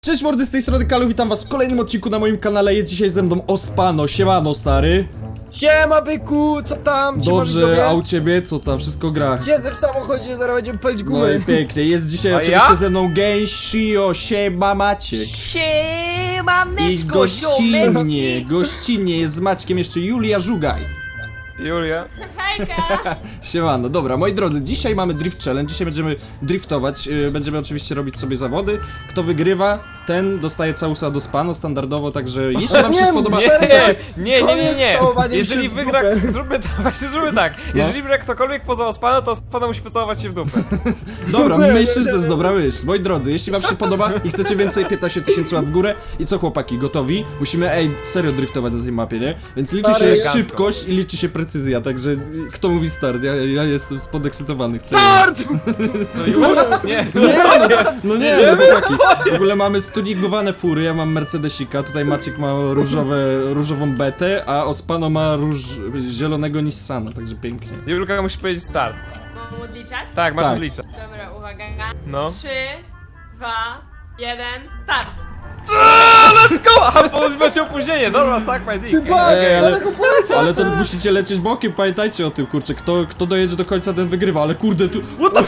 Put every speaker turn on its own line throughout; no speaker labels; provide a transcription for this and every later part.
Cześć mordy, z tej strony Kalu, witam was w kolejnym odcinku na moim kanale. Jest dzisiaj ze mną Ospano, siemano stary.
Siema byku, co tam? Siema,
Dobrze,
widzowie.
a u ciebie co tam, wszystko gra?
Siedzę w samochodzie, zaraz będziemy palić
No
gumę.
i pięknie, jest dzisiaj
A
oczywiście
ja?
ze mną Gęsio, siema Maciek. I
Siemaneczko,
gościnnie jest z Maćkiem jeszcze Julia Żugaj.
Julia.
Hejka!
Siemano, dobra, moi drodzy, dzisiaj mamy Drift Challenge, dzisiaj będziemy driftować, będziemy oczywiście robić sobie zawody. Kto wygrywa, ten dostaje całusa do spanu standardowo, także jeśli wam się
Nie,
spodoba...
Nie, nie.
Całowanie
Jeżeli
się w
wygra,
dupę.
zróbmy tak. Jeżeli wygra ktokolwiek poza Ospana, to Ospana musi pocałować się w dupę.
Dobra, myślę, że to jest dobra myśl. Moi drodzy, jeśli wam się podoba i chcecie więcej, 15 000 łap w górę. I co chłopaki, gotowi? Musimy, serio driftować na tej mapie, nie? Więc liczy się
Stary,
szybkość i liczy się precyzja, także kto mówi start? Ja jestem podekscytowany, chcę.
Start!
No już? Nie.
No nie, chłopaki. W ogóle mamy stunigowane fury, ja mam Mercedesika, tutaj Maciek ma różową betę, a Ospano ma zielonego Nissana, także pięknie.
Julka musi powiedzieć start.
Mam odliczać?
Tak, masz
Tak.
odliczać.
Dobra, uwaga.
No.
3, 2, 1, start!
Aha, macie opóźnienie, dobra, suck my dick.
Ty bak,
Ej,
daleko poleciał.
Ale to musicie lecieć bokiem, pamiętajcie o tym, kurczę, kto dojedzie do końca, ten wygrywa, ale kurde, tu...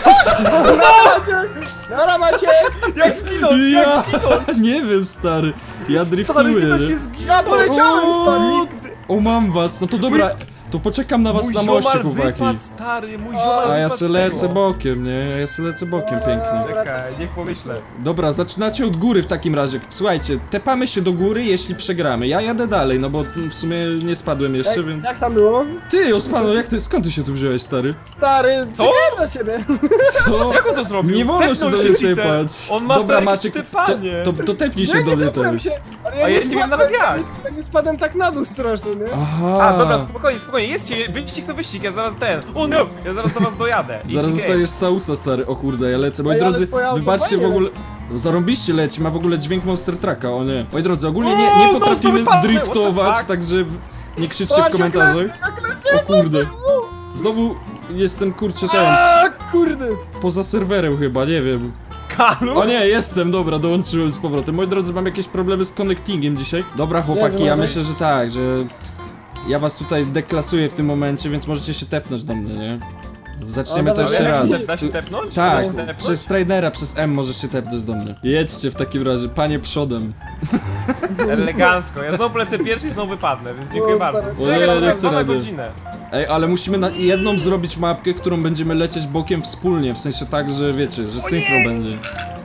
Dobra macie!
Jak zginąć,
Ja nie wiem, stary, ja driftuję,
Stary, to
nie?
się zginął.
Ja poleciałem, stary!
O, mam was, no to dobra, to poczekam na was
Mój
na moście,
ziomal
chłopaki.
wypadł, stary, mój ziomal
A ja
wypadł
se
z
lecę
tego.
bokiem, nie? Ja se lecę bokiem pięknie.
Czekaj, niech pomyślę.
Dobra, zaczynacie od góry w takim razie. Słuchajcie, tepamy się do góry, jeśli przegramy. Ja jadę dalej, no bo w sumie nie spadłem jeszcze, więc...
Jak tam było?
Ty, Ospano, skąd ty się tu wziąłeś, stary?
Stary,
Co?
czekałem na ciebie.
Co?
Jak on to zrobił?
Nie wolno się
Tepnął
do mnie
cheater.
tepać.
On ma
Dobra,
stare
Maciek,
tepanie.
to tepnij się
Ja
do
nie
mnie
tepłem
też.
się. Ale
A ja nie wiem nawet jak.
Ja nie spadłem tak na dół strasznie, nie?
Aha.
A, dobra, spokojnie, jedźcie, wyścig to wyścig, ja zaraz O no! Ja zaraz do was dojadę.
Zaraz
Easy
dostajesz sausa, stary. O kurde, ja lecę. Moi
Ej, ale
drodzy,
twoje auto
wybaczcie w
fajnie
ogóle... Zarąbiście leci, ma w ogóle dźwięk Monster Trucka, o nie. Moi drodzy, ogólnie
O,
nie
no to
potrafimy
wypadłem,
driftować,
what the fuck?
także nie krzyczcie
Patrz,
w komentarzach.
jak lecę,
O kurde. Znowu jestem, kurczę, ten,
A, kurde!
poza serwerem chyba, nie wiem.
Kalu?
O nie, jestem, dobra, dołączyłem z powrotem. Moi drodzy, mam jakieś problemy z connectingiem dzisiaj. Dobra, chłopaki, ja myślę, że tak, że... Ja was tutaj deklasuję w tym momencie, więc możecie się tepnąć do mnie, nie? Zaczniemy
O,
to
dobra,
jeszcze raz.
Da się tepnąć?
Tak,
Da się tepnąć?
przez trainera, przez M możesz się tepnąć do mnie. Jedźcie w takim razie, panie przodem.
Elegancko, ja znowu lecę pierwszy i znowu wypadnę, więc dziękuję
O,
bardzo.
stary.
O, nie, nie chcę
na
rady.
godzinę.
Ej, ale musimy na jedną zrobić mapkę, którą będziemy lecieć bokiem wspólnie, w sensie tak, że wiecie, że synchro będzie.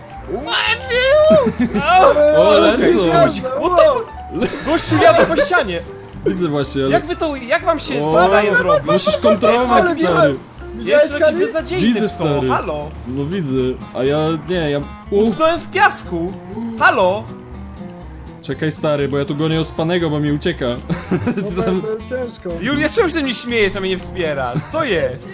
O, lecą!
Gościu, jadę po ścianie!
Widzę właśnie, ale...
Jak wam się
O,
daje zrobić?
musisz kontrolować,
Ale
stary.
Widziałeś,
Jest
Kali?
beznadziejny
Widzę,
w to,
stary.
halo!
No widzę, a ja... nie, ja...
Utknąłem w piasku! Halo!
Czekaj, stary, bo ja tu gonię Ospanego, bo mi ucieka.
No, to jest ciężko.
Julia, czemu się mnie śmiejesz, a mnie nie wspierasz? Co jest?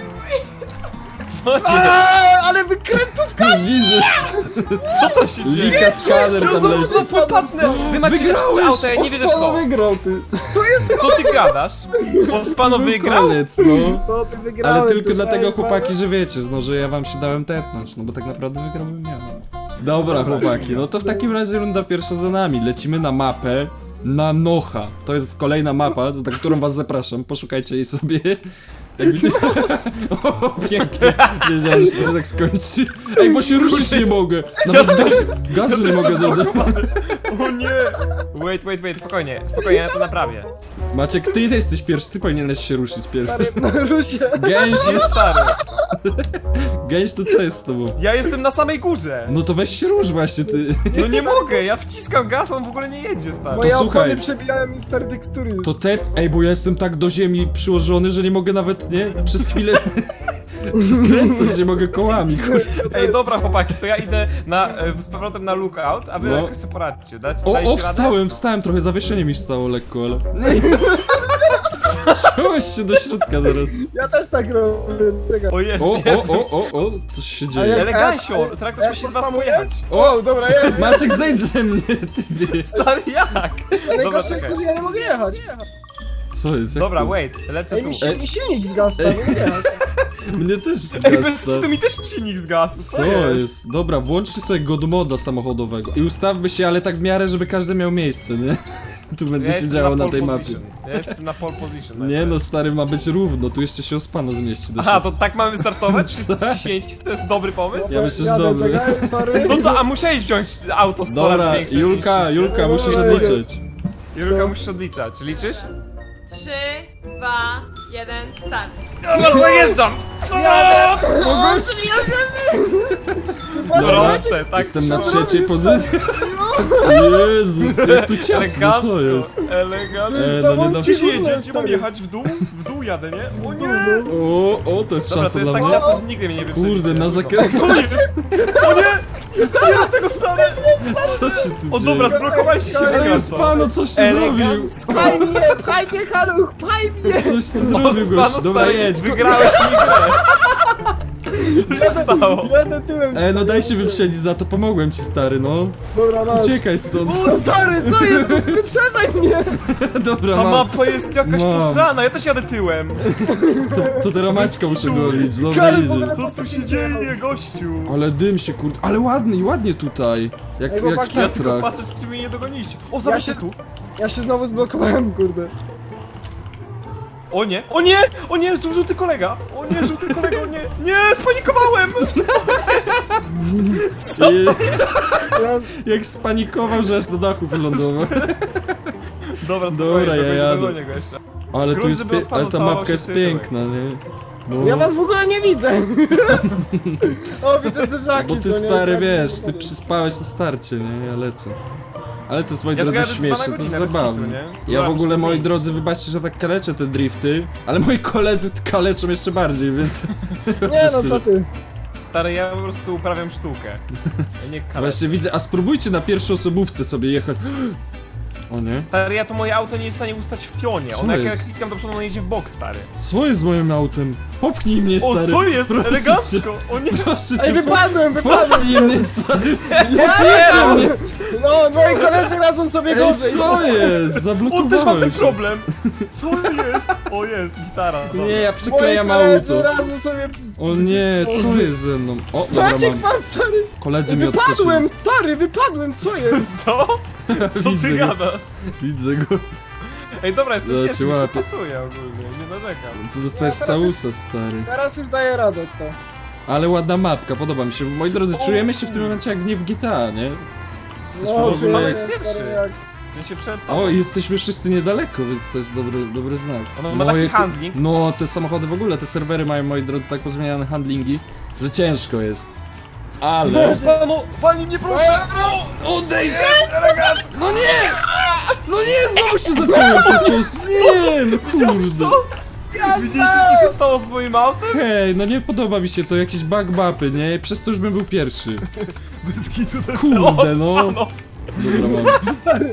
Co jest?
Ale wykrętówka!
Widzę,
Co tam się dzieje?
Lika skaner tam leci.
No popadnę! Wy macie
Wygrałeś!
auto, ja nie wierzę w
Ospano
to!
wygrał, ty!
Co ty gadasz? Ospano wygrał?
Koniec, no.
To ty wygrałeś,
Ale tylko
ty
dlatego,
znałeś
chłopaki,
sprawę?
że wiecie, no, że ja wam się dałem tepnąć, no bo tak naprawdę wygrałbym ja. Dobra, chłopaki, no to w takim razie runda pierwsza za nami. Lecimy na mapę na Nocha. To jest kolejna mapa, na którą was zapraszam. Poszukajcie jej sobie. Jak widać... O, pięknie. Wiedziałem, że to się tak skończy. Ej, bo się ruszyć nie mogę. Nawet gazu nie mogę dodać.
O nie! Wait, spokojnie, ja to naprawię.
Maciek, ty jesteś pierwszy, ty powinieneś się ruszyć pierwszy.
Stary, no rusz się.
Gęś
Jest
jest...
stary.
Gęś, to co jest z tobą?
Ja jestem na samej górze.
No to weź się rusz właśnie, ty.
No nie mogę, ja wciskam gaz, on w ogóle nie jedzie, stary.
Moje
słuchaj.
opony przebijają mi stare tekstury.
To ej, bo ja jestem tak do ziemi przyłożony, że nie mogę nawet, nie? Przez chwilę skręcać, nie mogę kołami, kurde.
Ej, dobra chłopaki, to ja idę z powrotem na lookout, a wy
No.
jakoś sobie poradźcie, dajcie
O,
radę?
wstałem, trochę zawieszenie mi stało lekko, ale... Wciąłeś się do środka zaraz.
Ja też tak robię. Czekaj.
O jest,
O, coś się
A
dzieje.
jak-
Elegancio, traktor musi z was
podpamuję?
pojechać.
O, dobra, jest.
Maciek, zejdź ze mnie, ty wie.
Stary, jak?
Ale
Dobra,
najgorsze jest
czekaj.
to, że ja nie mogę jechać.
Co jest, jak
Dobra,
to?
wait, lecę
Ej,
tu.
mi silnik zgasł, nie mogę jechać.
Mnie też
Ej, bez
zgasł.
to mi też silnik zgasł.
Co jest? Dobra, włączcie sobie God moda samochodowego i ustawmy się, ale tak w miarę, żeby każdy miał miejsce, nie? Tu będzie się działo na tej mapie.
Ja jestem na pole position.
Nie no, stary, ma być równo, tu jeszcze się Ospano zmieści do
Aha,
środka.
to tak mamy startować? Wszyscy ściśnięci? To jest dobry pomysł?
Ja myślę, że
Jadę,
dobry.
czekaj, sorry.
No to, a musiałeś wziąć auto z coraz
Dobra,
większej
Julka,
niż-
Julka, musisz odliczyć.
Julka, musisz odliczać. Liczysz?
3, 2, 1, start.
No zajeżdżam!
O gość!
Proste, tak.
Jestem na trzeciej pozycji. Jezus, jak tu ciasno, co jest?
Elegancko.
No nie da...
Gdzie się
Gdzie
jedzie? Gdzie mam jechać? W dół? W dół jadę, nie? O nie!
O, to jest
Dobra,
szansa
to jest
dla
tak
mnie.
ciasno, że nigdy mnie nie wyprzedzi.
Kurde, na zakręcie.
O nie! O nie! Nie, tego stary!
Co się tu
O
dzieje?
dobra, zblokowaliście się
Ej,
elegancko.
Ospano, coś ty zrobił!
Elegancko.
Pchaj mnie, Haluch, pchaj mnie!
Coś ty zrobił, gość.
Ospano,
Dobra,
stary,
jedź.
Wygrałeś mi grę. Co się stało?
Jadę tyłem.
No daj się wyprzedzić, za to pomogłem ci, stary, no.
Dobra, no.
Uciekaj stąd.
O, stary, co jest? Wyprzedzaj mnie!
Dobra,
Ta
mam.
mapa jest jakaś
Mam.
posrana, ja też jadę tyłem.
To teraz Maćka muszę golić. Dobra,
Karol, w
idzie.
ogóle-
Co tu się dzieje, gościu?
Ale dym się, kurde. Ale ładnie tutaj. Jak w
chłopaki,
Ja tylko
Tatrach.
patrzę, czy mnie nie dogoniście. O, zobacz
się-
tu.
Ja się znowu zblokowałem, kurde.
O nie, o nie, o nie, żółty kolega. O nie, żółty kolega, o nie. Nie, spanikowałem.
Ja,
Jak spanikował, że aż do dachu wylądował.
Dobra,
Dobra, ja jadę.
dogonię go jeszcze.
Ale tu
Grunt,
jest
żeby
ale ta
odpanował
mapka
się
jest
tyłem.
piękna, nie? No.
ja was w ogóle nie widzę. O, widzę zderzaki.
Bo ty
co nie?
stary,
Tak,
wiesz,
tak,
ty
tak.
przyspałeś na starcie, nie? Ja lecę. Ale to jest, moi
Ja
drodzy,
tylko jadę
śmieszne,
2 na
to jest
godzinę, bez
zabawne.
kitu, nie?
Ja w
Dobra,
ogóle,
muszę
moi
zmienić.
drodzy, wybaczcie, że tak kaleczę te drifty, ale moi koledzy kaleczą jeszcze bardziej, więc...
Nie no, co ty?
Stary, ja po prostu uprawiam sztukę. Ja nie kalę.
Właśnie widzę, a spróbujcie na pierwszoosobówce sobie jechać. O nie?
Stary, ja to moje auto nie jest w stanie ustać w pionie.
Co
Ono jak ja
jest?
klikam do przodu, ono jedzie w bok, stary.
Co jest z moim autem? Popchnij mnie,
O,
stary.
co jest?
Proszę
Elegancko!
cię,
O nie!
proszę
Ej,
cię,
wypadłem!
popchnij mnie, stary. Popchnijcie mnie.
No, moi koledzy radzą sobie
Ej,
gorzej.
co jest?
O, też mam ten
Zablokowałem się.
problem! Co jest? O, jest, gitara. Dobra.
Nie, ja
Moi
przyklejam
koledzy
auto.
radzą sobie...
O nie, co jest ze mną? O, dobra,
Maciek
mam.
pan, stary!
Koledzy mi odskoczyli.
Wypadłem, stary, wypadłem, co jest?
Co? Co
Widzę
ty
go,
gadasz?
widzę go.
Ej, dobra, jestem
Dobra,
pierwszy,
cię
mi to
łapię.
pasuje ogólnie, nie narzekam.
To dostajesz całusa, stary.
Teraz już daję radę to.
Ale ładna mapka, podoba mi się. Moi drodzy, czujemy się w tym momencie jak nie w GTA, nie? Jesteśmy w
No,
ogóle...
mamy
czuję się,
pierwszy.
stary, jak...
W sensie przed
O,
tobą.
jesteśmy wszyscy niedaleko, więc to jest dobry znak.
Ono ma taki
Moje
handling.
No, te samochody w ogóle, te serwery mają, moi drodzy, tak pozmieniane handlingi, że ciężko jest. Ale...
No, walnij mnie proszę!
Odejdź! No nie! No nie, znowu się zacząłem w ten sposób. Nie, no kurde.
Widzieliście, co się stało z moim autem?
Hej, no nie podoba mi się to, jakieś bug mapy, nie? Przez to już bym był pierwszy.
Bez kitu to
Kurde, no.
no.
Dobra, mam.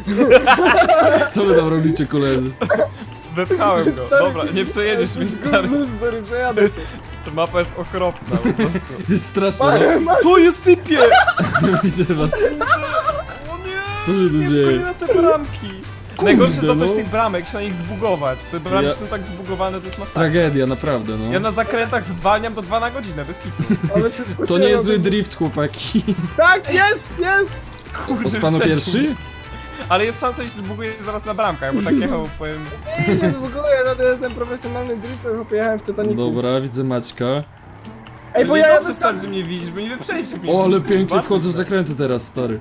Co wy tam robicie, koledzy?
Wepchałem go. Dobra, nie przejedziesz mi, stary.
Stary, przejadę cię.
Ta mapa jest okropna po prostu.
Jest straszne,
Co jest typie?
no. Widzę was.
O nie!
Co się tu
nie
dzieje?
wchodzę na te bramki. Najgorsze jest
no.
tych bramek, się na nich zbugować. Te bramki
Ja-
są tak zbugowane, że jest
Jest
masakra.
tragedia, naprawdę, no.
Ja na zakrętach zwalniam do 2 na godzinę, bez kitu.
Ale się
To nie jest zły drift, chłopaki.
Tak, jest, jest!
Kurde,
Ospano
przeciw.
pierwszy?
Ale jest szansa, że się zbuguje zaraz na bramkach, bo tak jechał, powiem...
Nie, nie zbuguję, no to jestem profesjonalnym driftem, bo pojechałem w Titanicu.
Dobra, widzę Maćka.
Ej, bo
nie
ja
dobrze,
jadę
stary,
tam...
że mnie widzisz, bo nie wyprzedzisz mnie.
O, ale pięknie
Bardzo
wchodzę w
źle.
zakręty teraz, stary.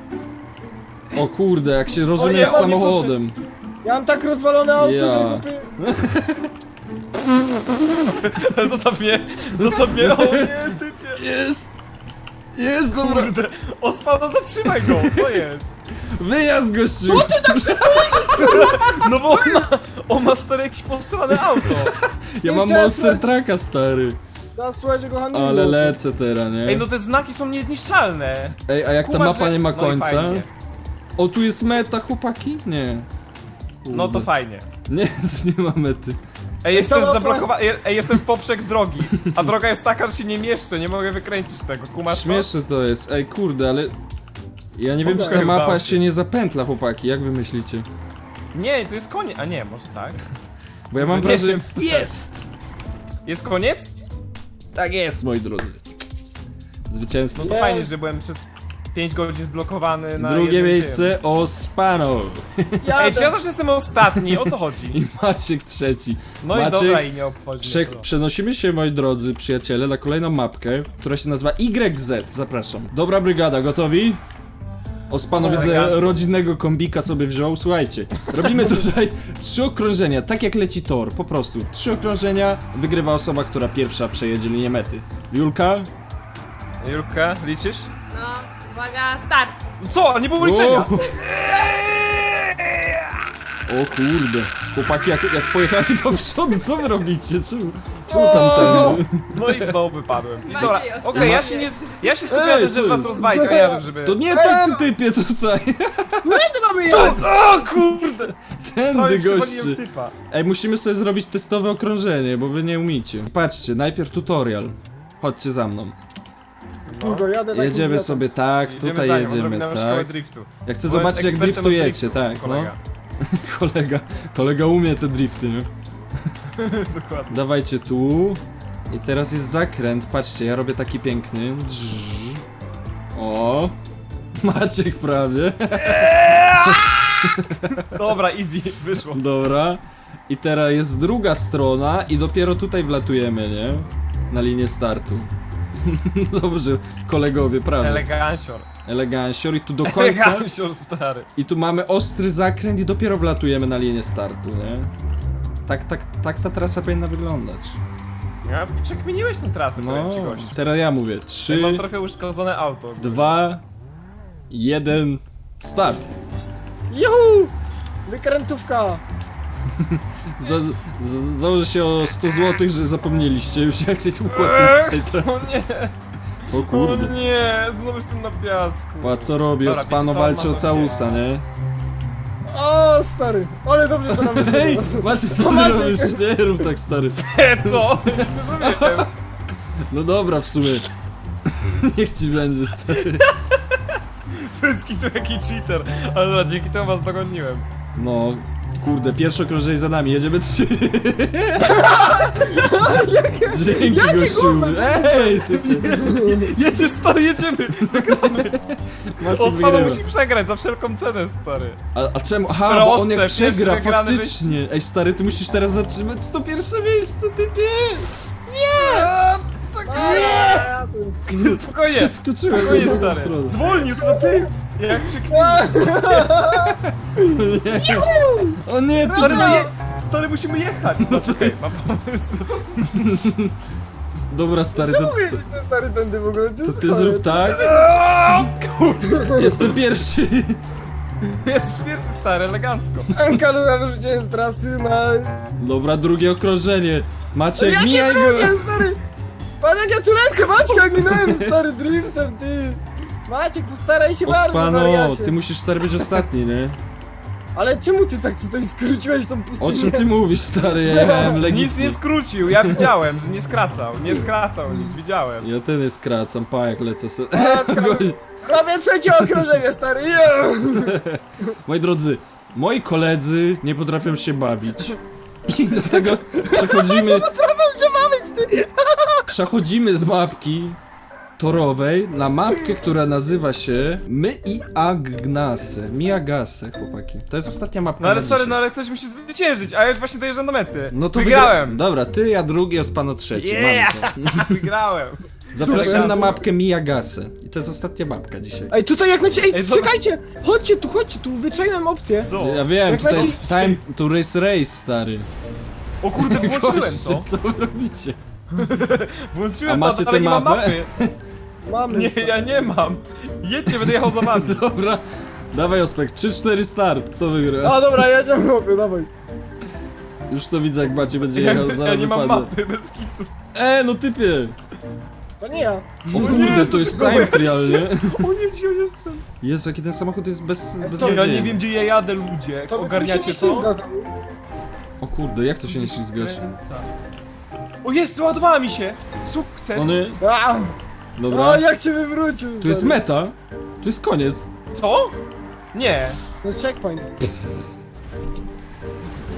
O kurde, jak się rozumiem
nie,
z
o nie,
samochodem.
Ja mam tak rozwalone auto,
Ja.
że chłopie...
Zostaw mnie, o nie, typie.
Jest! Jest, dobra.
Kurde, Ospano, zatrzymaj go, co jest?
Wyjazd, gościu!
No bo on ma stare jakieś posrane auto.
Ja mam
chciałem
Monster Trucka, stary.
Teraz słuchajcie go handlingu.
Ale lecę teraz, nie?
Ej, no te znaki są niezniszczalne.
Ej, a jak ta
Kuba,
mapa
że-
nie ma
no i
końca?
fajnie.
O, tu jest meta, chłopaki? Nie.
No to
Kurde.
fajnie.
Nie, tu nie ma mety.
Ej, jestem
to ma-
zablokowany, ej, jestem w poprzek drogi. A droga jest taka, że się nie mieszczę, nie mogę wykręcić tego, kumasz to?
Śmieszne to jest. Ej, kurde, ale... Ja nie wiem, czy ta
Okej,
mapa
udało
się nie zapętla, chłopaki. Jak wy myślicie?
Nie, tu jest koniec, a nie, może tak.
Bo ja mam
Nie
wrażenie...
wiem.
Jest!
Jest koniec?
Tak jest, moi drodzy. Zwycięstwo.
No to fajnie, że byłem przez 5 godzin zblokowany na
Drugie
jednym
miejsce Ospano.
tym. Ej, czy ja zawsze jestem ostatni? O co chodzi?
I Maciek trzeci.
No i
Maciek,
dobra, i nie obchodzi mnie to.
Przenosimy się, moi drodzy przyjaciele, na kolejną mapkę, która się nazywa YZ. Zapraszam. Dobra brygada, gotowi? Ospano widzę
elegancko.
rodzinnego kombika sobie wziął. Słuchajcie, robimy tutaj 3 okrążenia, tak jak leci tor, po prostu. 3 okrążenia, wygrywa osoba, która pierwsza przejedzie linię mety. Julka?
Julka, liczysz?
No, uwaga, start.
Co? Nie było liczenia!
O! O kurde, chłopaki jak pojechali do przodu, co wy robicie? Czemu tam ten?
No i znowu wypadłem. I
Maciej,
dobra,
ostatni.
okej, ja się skupiam na
Ej,
tym,
co
żeby was
jest?
rozwalić, a ja żeby...
To nie tam typie tutaj,
Którędy mamy jechać?
O kurde!
tędy
Prawie
goście.
przywaliłem typa.
Ej, musimy sobie zrobić testowe okrążenie, bo wy nie umiecie. Patrzcie, najpierw tutorial. Chodźcie za mną.
Długo jadę tak
Jedziemy
mówię,
sobie tak,
Idziemy
tutaj
za nią,
jedziemy,
odrobinę szkołę
tak.
driftu.
Ja chcę
Bo jest
zobaczyć jak
ekspertem od
driftujecie,
driftu,
tak, no.
kolega.
Kolega umie te drifty, nie?
Dokładnie.
Dawajcie tu. I teraz jest zakręt, patrzcie, ja robię taki piękny. Drz. O! Maciek prawie.
Dobra, easy, wyszło.
Dobra. I teraz jest druga strona i dopiero tutaj wlatujemy, nie? Na linię startu. Dobrze, kolegowie, prawie.
Elegancior.
Elegancior i tu do końca.
Elegancior, stary.
I tu mamy ostry zakręt i dopiero wlatujemy na linię startu, nie? Tak ta trasa powinna wyglądać.
Ja przekminiłeś tę trasę,
No,
powiem ci gość.
teraz ja mówię.
Ja
3,
mam trochę uszkodzone auto.
2, 1, start.
Juhu! Wykrętówka!
Założę się o 100 zł, że zapomnieliście już jak jest układ tej
O
trasy.
nie,
O kurde.
o nie, znowu jestem na piasku.
Pa, co robi?
Dobra,
Ospano
wiecie co,
walczy o
mam to
całusa, nie?
O, stary! Ale dobrze to nam
Hej,
wyszło.
Macie co
Maciek.
robisz? Nie rób tak, stary.
Co? Nie rozumiem.
No dobra, w sumie. Niech ci będzie, stary.
Pyski tu jaki cheater. Ale dobra, dzięki temu was dogoniłem.
No, kurde, pierwsze okrążenie za nami, jedziemy 3. Dzięki, gościu. Ej, ty.
Jedzie, stary, jedziemy.
Maciek
Ospano
wygrywa.
musi przegrać za wszelką cenę, stary.
A czemu? Aha, bo on jak
Proste,
przegra,
pierwszy wygrany
faktycznie. Ej, stary, ty musisz teraz zatrzymać to pierwsze miejsce, typie.
Spokojnie.
Przeskoczyłem na
Spokojnie,
drugą
stary.
stronę.
Zwolnił, co ty? Jak przekminił.
O nie, ty.
Stary, stary, musimy jechać. No czekaj, mam pomysł.
Dobra, stary,
Czemu jedziesz ten stary tędy w ogóle?
to ty zrób tak. Jestem pierwszy.
Jest pierwszy, stary, elegancko.
Anka, ja wyrzuciłem z trasy, nice.
Dobra, drugie okrążenie. Maciek,
Jakie
mijaj go.
drugie, stary? Pan jak ja tureckę, Maćka, ginąłem, stary, driftem, ty. Maciek, postaraj się bardzo,
Ospano,
wariacie.
ty musisz, stary, być ostatni, nie?
Ale czemu ty tak tutaj skróciłeś tą pustynię?
O czym ty mówisz, stary? Ja jechałem
Nic
legitnie.
nie skrócił, ja widziałem, że nie skracał. Nie skracał nic, widziałem.
Ja ten jest skracam, pa jak lecę sobie.
Robię trzecie okrążenie, stary, yeah.
Moi drodzy, moi koledzy nie potrafią się bawić. I dlatego przechodzimy,
Proszę bawić, ty.
przechodzimy z mapki torowej na mapkę, która nazywa się My i Agnase. Miagase, chłopaki. To jest ostatnia mapka
No ale
na
sorry,
dzisiaj.
no ale ktoś musi zwyciężyć, a ja już właśnie dojeżdżam do mety.
No to
wygrałem!
Dobra, ty, ja drugi, Ospano trzeci.
Yeah!
Mamy to.
Wygrałem!
Zapraszam
Super.
na mapkę Miagase. I to jest ostatnia mapka dzisiaj.
Ej, tutaj jak na ciebie, ej,
Ej, zobacz.
czekajcie, chodźcie tu, wyczaiłem opcję.
Co?
Ja wiem,
Jak
tutaj
lecisz-
time to race, stary.
O kurde, włączyłem
Goście,
to!
co wy robicie?
Włączyłem
A macie
to, ale
tę
nie mam
mapę?
mapy.
Mamy.
Nie, ja nie mam. Jedźcie, będę jechał za wami.
Dobra, dawaj Ospek, 3-4 start, kto wygra?
A dobra, jedziemy, chłopie, dawaj.
Już to widzę jak Macie będzie
Ja,
jechał,
ja
zaraz
nie mam
wypadnę.
mapy, bez kitu.
No typie!
To nie ja.
O kurde, to jest time trial, nie?
O nie, gdzie ja jestem?
Jezu, jaki ten samochód jest bez
Co, ja
nadziei.
nie wiem, gdzie ja jadę, ludzie.
To
Ogarniacie
się
to?
ślizga.
O kurde, jak to się nie ślizgasz?
O jest, załadowała mi się! Sukces!
Ony,
A,
dobra.
o, jak cię wywrócił,
Tu jest
stary.
meta, tu jest koniec.
Co? Nie.
To jest checkpoint.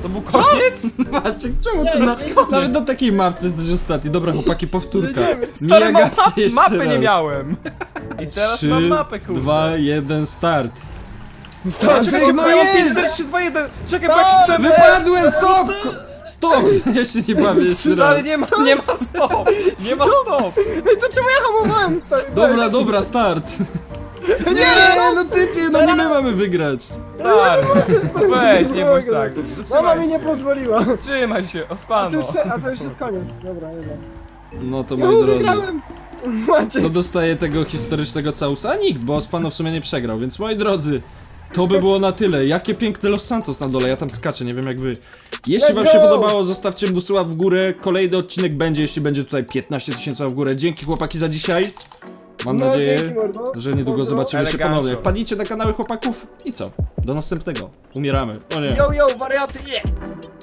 To był koniec?
Maciek, czemu ty
Nie,
na,
to nie
nawet na takiej mapce jesteś ostatni? Dobra, chłopaki, powtórka.
Stary,
Mia Gasy jeszcze
mapy
raz.
nie miałem. I teraz
3,
mam mapę, kurde.
2, 1, start.
Stary,
Maciek, no jedź!
4, 3, 2, 1. Czekaj, bo
Stop!
jaki chcę...
Wypadłem, stop! Stop! Ja się nie bawię jeszcze raz.
Stary, nie ma stop. Nie ma stop.
Ej, to czemu ja hamowałem, stary?
Dobra, dobra, start. Nie, no typie, no nie my mamy wygrać.
Stary, weź, nie bądź tak.
Mama mi
Trzymaj
nie pozwoliła.
się, trzymaj się, ospano.
A to już jest koniec. Dobra, dobra.
No to
No
moi drodzy.
wygrałem. Macie.
To dostaje tego historycznego całusa? A nikt, bo Ospano w sumie nie przegrał, więc moi drodzy, to by było na tyle. Jakie piękne Los Santos na dole, ja tam skaczę, nie wiem jak wy. Jeśli wam
Let's
się
go!
podobało, zostawcie busuła w górę. Kolejny odcinek będzie, jeśli będzie tutaj 15 000 w górę. Dzięki chłopaki za dzisiaj. Mam
No,
nadzieję,
dzięki, mordo.
że niedługo
Pozdro.
zobaczymy się
Elegancko.
ponownie. Wpadnijcie na kanały chłopaków i co? Do następnego. Umieramy. O nie.
Yo, yo, wariaty, yeah.